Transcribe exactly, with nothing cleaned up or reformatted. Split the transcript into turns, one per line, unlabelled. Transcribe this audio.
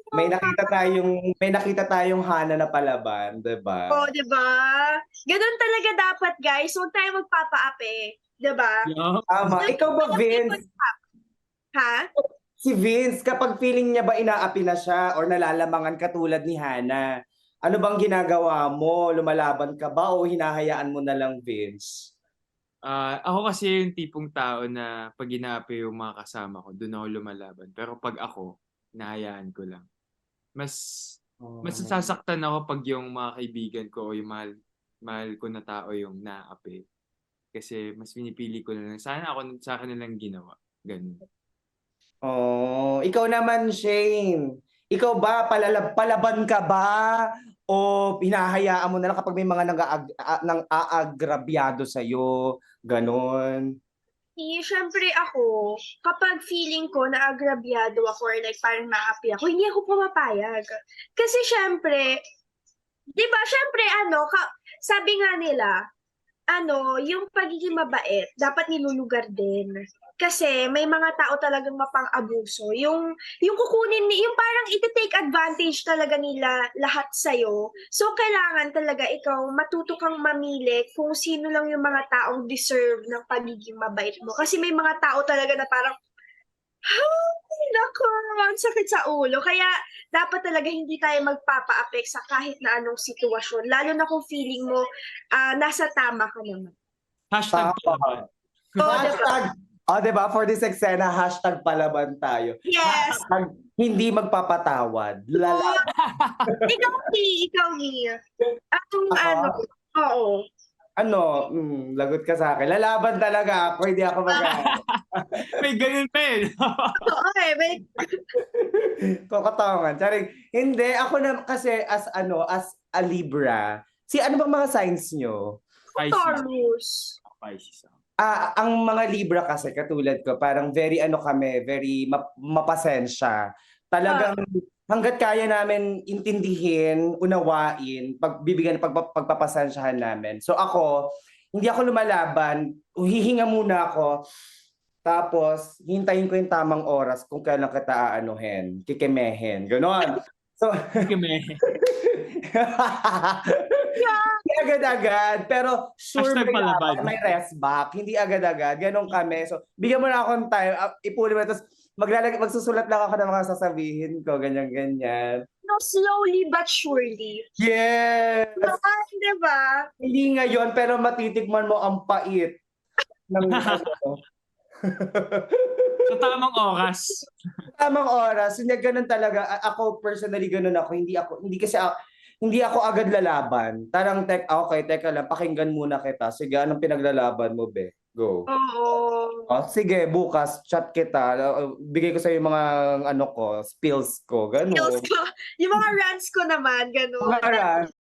may
Oo nga.
nakita tayong may nakita tayong Hana na palaban, 'di ba?
Oh, 'di ba? Gano'n talaga dapat guys, huwag tayong magpapaapi, 'di ba?
Yup.
Tama.
Yung
Ikaw ba,
mga people
Vince?
stop. Ha?
Si Vince, kapag feeling niya ba inaapi na siya or nalalamangan katulad ni Hana, ano bang ginagawa mo? Lumalaban ka ba o hinahayaan mo na lang, Vince?
Ah, ako kasi yung tipong tao na 'pag inaapi yung mga kasama ko, dun ako lumalaban. Pero 'pag ako, hinahayaan ko lang. Mas mas
Oh.
nasasaktan ako 'pag yung mga kaibigan ko o yung mahal mahal ko na tao yung naapi. Kasi mas pinipili ko na lang, sana ako sa'kin na lang ginawa, gano'n.
Oh, ikaw naman, Shane. Ikaw ba palalab palaban ka ba o hinahayaan mo na lang kapag may mga nag-aag a nang-aagrabyado sa'yo, gano'n?
Eh, siyempre ako, kapag feeling ko naagrabyado ako or like parang naapi ako, hindi ako pumapayag. Kasi siyempre, 'di ba siyempre ano, ka sabi nga nila, ano, yung pagiging mabait dapat nilulugar din. Kasi may mga tao talagang mapang-abuso, yung yung kukunin ni yung parang ite-take advantage talaga nila lahat sa'yo. So, kailangan talaga ikaw matuto kang mamili kung sino lang yung mga taong deserve ng pagiging mabait mo. Kasi may mga tao talaga na parang, "Hay, naku, ang sakit sa ulo." Kaya dapat talaga hindi tayo magpapa-affect sa kahit na anong sitwasyon, lalo na kung feeling mo, ah, nasa tama ka naman.
Hashtag palaban.
Oo, 'di ba?
Hashtag oh, 'di ba for this eksena, hashtag palaban tayo.
Yes.
Hashtag hindi magpapatawad, lala
Oo. Ikaw, Mi, ikaw, Mi. Anong ano
Ako?
oo.
Ano, hmm, lagot ka sa'kin. Lalaban talaga ako, hindi ako mag-aano.
May gano'n pa, eh, 'no?
Oo, eh, may
Kokotongan, charing. Hindi, ako na kasi as ano, as a Libra, si ano bang mga signs niyo?
Pisces.
Taurus.
Pisces ako.
Ah, ang mga Libra kasi katulad ko, parang very ano kami, very map mapasensya.
Ah.
Talagang hangga't kaya namin intindihin, unawain, pagbibigyan pagpa pagpapasensyahan namin. So ako, hindi ako lumalaban, hihinga muna ako, tapos hintayin ko yung tamang oras kung kailan kita aanuhin, kekemehin, gano'n. So
Kikimeke.
Hindi agad-agad, pero sure
Hashtag
may laban,
palaban.
may rest back, hindi agad-agad, gano'n kami. So, bigyan mo na akong time, ah, ipunin mo tapos maglalag magsusulat lang ako ng mga sasabihin ko, ganyan-ganyan.
No, slowly but surely.
Yes!
Naman, 'di ba?
Hindi ngayon, pero matitikman mo ang pait ng ano.
Sa tamang oras.
Tamang oras, hindi gano'n talaga. A ako personally gano'n ako, hindi ako hindi kasi a hindi ako agad lalaban. Parang tek ah, okey teka lang, pakinggan muna kita. Sige, anong pinaglalaban mo be? Go.
Oo.
Oh, sige bukas chat kita, o bigay ko sa'yo yung mga ano ko, spills ko,
Skills
gano'n.
ko, yung mga rants ko naman, gano'n.
Mga rant.